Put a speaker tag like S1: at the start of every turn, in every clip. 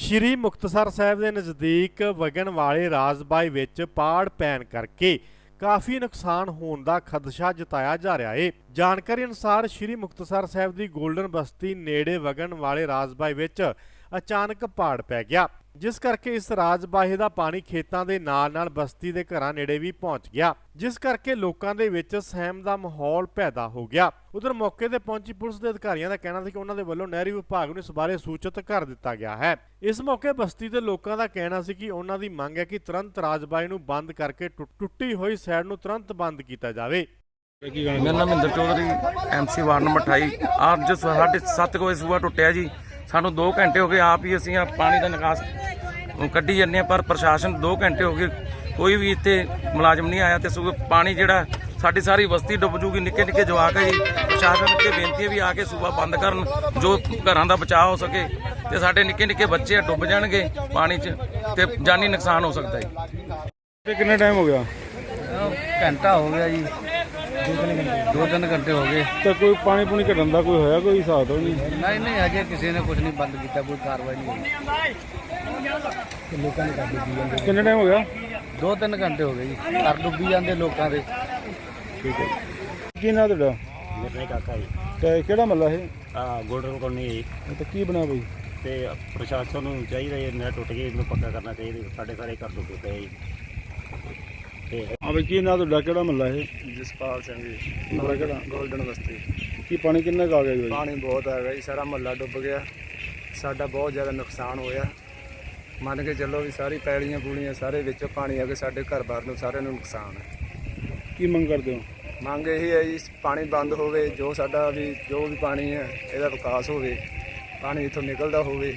S1: ਸ਼੍ਰੀ ਮੁਕਤਸਰ ਸਾਹਿਬ ਦੇ ਨਜ਼ਦੀਕ ਵਗਣ ਵਾਲੇ ਰਾਜਬਾਈ ਵਿੱਚ ਪਾੜ ਪੈਣ ਕਰਕੇ ਕਾਫੀ ਨੁਕਸਾਨ ਹੋਣ ਦਾ ਖਦਸ਼ਾ ਜਤਾਇਆ ਜਾ ਰਿਹਾ ਹੈ। ਜਾਣਕਾਰੀ ਅਨੁਸਾਰ ਸ਼੍ਰੀ ਮੁਕਤਸਰ ਸਾਹਿਬ ਦੀ ਗੋਲਡਨ ਬਸਤੀ ਨੇੜੇ ਵਗਣ ਵਾਲੇ ਰਾਜਬਾਈ ਵਿੱਚ ਅਚਾਨਕ ਪਾੜ ਪੈ ਗਿਆ, ਜਿਸ ਕਰਕੇ ਇਸ ਰਾਜਬਾਹੇ ਦਾ ਪਾਣੀ ਖੇਤਾਂ ਦੇ ਨਾਲ-ਨਾਲ ਬਸਤੀ ਦੇ ਘਰਾਂ ਨੇੜੇ ਵੀ ਪਹੁੰਚ ਗਿਆ, ਜਿਸ ਕਰਕੇ ਲੋਕਾਂ ਦੇ ਵਿੱਚ ਸਹਿਮ ਦਾ ਮਾਹੌਲ ਪੈਦਾ ਹੋ ਗਿਆ। ਉਧਰ ਮੌਕੇ ਤੇ ਪਹੁੰਚੀ ਪੁਲਿਸ ਦੇ ਅਧਿਕਾਰੀਆਂ ਦਾ ਕਹਿਣਾ ਸੀ ਕਿ ਉਹਨਾਂ ਦੇ ਵੱਲੋਂ ਨਹਿਰੀ ਵਿਭਾਗ ਨੂੰ ਇਸ ਬਾਰੇ ਸੂਚਿਤ ਕਰ ਦਿੱਤਾ ਗਿਆ ਹੈ। ਇਸ ਮੌਕੇ ਬਸਤੀ ਦੇ ਲੋਕਾਂ ਦਾ ਕਹਿਣਾ ਸੀ ਕਿ ਉਹਨਾਂ ਦੀ ਮੰਗ ਹੈ ਕਿ ਤੁਰੰਤ ਰਾਜਬਾਹੇ ਨੂੰ ਬੰਦ ਕਰਕੇ ਟੁੱਟੀ ਹੋਈ ਸਾਈਡ ਨੂੰ ਤੁਰੰਤ ਬੰਦ ਕੀਤਾ ਜਾਵੇ।
S2: ਮੇਰਾ ਨਾਮ Mahinder Chaudhary MC ward number 28। ਅੱਜ 7:30 ਵਜੇ ਸੂਆ ਟੁੱਟਿਆ ਜੀ। ਸਾਨੂੰ 2 ਘੰਟੇ ਹੋ ਗਏ ਆਪ ਹੀ ਅਸੀਂ ਪਾਣੀ ਦਾ ਨਿਕਾਸ ਕੱਢੀ ਜਾਂਦੇ ਹਾਂ, ਪਰ ਪ੍ਰਸ਼ਾਸਨ 2 ਘੰਟੇ ਹੋ ਗਏ ਕੋਈ ਵੀ ਇੱਥੇ ਮੁਲਾਜ਼ਮ ਨਹੀਂ ਆਇਆ ਤੇ ਸੂਆ ਪਾਣੀ ਜਿਹੜਾ ਸਾਡੀ ਸਾਰੀ ਬਸਤੀ ਡੁੱਬ ਜੂਗੀ। ਨਿੱਕੇ ਨਿੱਕੇ ਜਵਾਕ ਹੈ ਜੀ। ਪ੍ਰਸ਼ਾਸਨ ਅੱਗੇ ਬੇਨਤੀ ਹੈ ਵੀ ਆ ਕੇ ਸੂਆ ਬੰਦ ਕਰਨ, ਜੋ ਘਰਾਂ ਦਾ ਬਚਾਅ ਹੋ ਸਕੇ ਤੇ ਸਾਡੇ ਨਿੱਕੇ ਨਿੱਕੇ ਬੱਚੇ ਡੁੱਬ ਜਾਣਗੇ ਪਾਣੀ 'ਚ ਤੇ ਜਾਨੀ ਨੁਕਸਾਨ ਹੋ ਸਕਦਾ ਜੀ।
S3: ਕਿੰਨਾ ਟਾਈਮ ਹੋ ਗਿਆ?
S2: ਘੰਟਾ ਹੋ ਗਿਆ ਜੀ, 2-3 ਘੰਟੇ ਹੋ ਗਏ।
S3: ਤਾਂ ਕੋਈ ਪਾਣੀ ਪੂਣੀ ਘਟਣ ਦਾ ਕੋਈ ਹੋਇਆ ਕੋਈ ਹਿਸਾਬ ਤਾਂ ਨਹੀਂ?
S2: ਨਹੀਂ ਅਜੇ ਕਿਸੇ ਨੇ ਕੁਝ ਨਹੀਂ ਬੰਦ ਕੀਤਾ, ਕੋਈ ਕਾਰਵਾਈ ਨਹੀਂ ਹੋਈ। ਲੋਕਾਂ ਨੇ ਕਰ ਡੁੱਬੀ ਜਾਂਦੇ।
S3: ਕਿੰਨਾ ਟਾਈਮ ਹੋ ਗਿਆ?
S2: 2-3 ਘੰਟੇ ਹੋ ਗਏ ਜੀ, ਘਰ ਡੁੱਬੀ ਜਾਂਦੇ ਲੋਕਾਂ ਦੇ।
S3: ਠੀਕ ਹੈ। ਕੀ ਨਾਂ ਤੁਹਾਡਾ?
S4: ਮੇਰੇ ਕਾਕਾ ਜੀ।
S3: ਤੇ ਕਿਹੜਾ ਮੱਲਾ ਇਹ?
S4: ਗੋਲਡਨ ਕਲੋਨੀ ਜੀ।
S3: ਤੇ ਕੀ ਬਣਾ ਬਈ?
S4: ਤੇ ਪ੍ਰਸ਼ਾਸਨ ਨੂੰ ਚਾਹੀਦਾ ਇਹ ਨਹਿਰ ਟੁੱਟ ਗਈ, ਇਹਨੂੰ ਪੱਕਾ ਕਰਨਾ ਚਾਹੀਦਾ। ਸਾਡੇ ਸਾਰੇ ਘਰ ਡੁੱਬੇ ਪਏ ਜੀ। ਤੇ
S3: ਹਾਂ ਬਈ, ਕੀ ਨਾਂ ਤੁਹਾਡਾ? ਕਿਹੜਾ ਮੱਲਾ ਇਹ?
S5: ਜਸਪਾਲ ਸਿੰਘ ਜੀ,
S3: ਮੱਲਾ ਕਿਹੜਾ?
S5: ਗੋਲਡਨ ਬਸਤੀ।
S3: ਕੀ ਪਾਣੀ ਕਿੰਨਾ ਕੁ ਆ ਗਿਆ ਜੀ ਬਾਈ?
S5: ਪਾਣੀ ਬਹੁਤ ਆ ਗਿਆ ਜੀ, ਸਾਰਾ ਮਹੱਲਾ ਡੁੱਬ ਗਿਆ। ਸਾਡਾ ਬਹੁਤ ਜ਼ਿਆਦਾ ਨੁਕਸਾਨ ਹੋਇਆ। ਮੰਨ ਕੇ ਚੱਲੋ ਵੀ ਸਾਰੀ ਪੈਲੀਆਂ ਪੂਲੀਆਂ ਸਾਰੇ ਵਿੱਚ ਪਾਣੀ ਆ ਕੇ ਸਾਡੇ ਘਰ-ਬਾਰ ਨੂੰ ਸਾਰਿਆਂ ਨੂੰ ਨੁਕਸਾਨ ਹੈ।
S3: ਕੀ ਮੰਗ ਕਰਦੇ ਹੋ?
S5: ਮੰਗ ਇਹ ਹੈ ਜੀ, ਪਾਣੀ ਬੰਦ ਹੋਵੇ, ਜੋ ਸਾਡਾ ਵੀ ਜੋ ਵੀ ਪਾਣੀ ਹੈ ਇਹਦਾ ਵਿਕਾਸ ਹੋਵੇ, ਪਾਣੀ ਇੱਥੋਂ ਨਿਕਲਦਾ ਹੋਵੇ।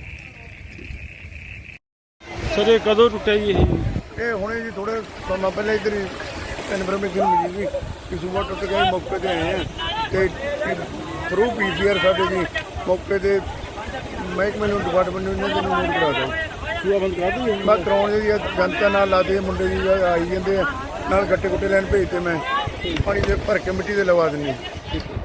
S3: ਸਰ ਇਹ ਕਦੋਂ ਟੁੱਟਿਆ ਜੀ ਇਹ?
S6: ਇਹ ਹੁਣੇ ਜੀ ਥੋੜੇ ਸਮਾਂ ਪਹਿਲਾਂ ਇੱਧਰ ਹੀ ਇਨਫੋਰਮੇਸ਼ਨ ਮਿਲੀ ਸੀ ਕਿ ਸੂਬਾ ਟੁੱਟ ਗਿਆ। ਮੌਕੇ ਤੇ ਆਏ ਆ ਤੇ ਥਰੂ PCR ਸਾਡੇ ਜੀ ਮੌਕੇ ਤੇ ਮਹਿਕਮੇ ਨੂੰ ਡਿਪਾਰਟਮੈਂਟ ਨੂੰ ਇਹਨਾਂ ਨੂੰ ਨੋਟ ਕਰਾ ਦਿਓ।
S3: ਸੂਆ ਬੰਦ ਕਰਾ ਦਈਏ?
S6: ਮੈਂ ਕਰਾਉਣ ਜੀ ਜਨਤਾ ਨਾਲ ਲਾਦੇ ਮੁੰਡੇ ਜੀ ਆਈ ਜਾਂਦੇ ਆ, ਨਾਲ ਗੱਟੇ ਗੁੱਟੇ ਲੈਣ ਭੇਜਤੇ। ਮੈਂ ਪਾਣੀ ਦੇ ਭਰ ਕੇ ਮਿੱਟੀ ਦੇ ਲਵਾ ਦਿੰਦੀ।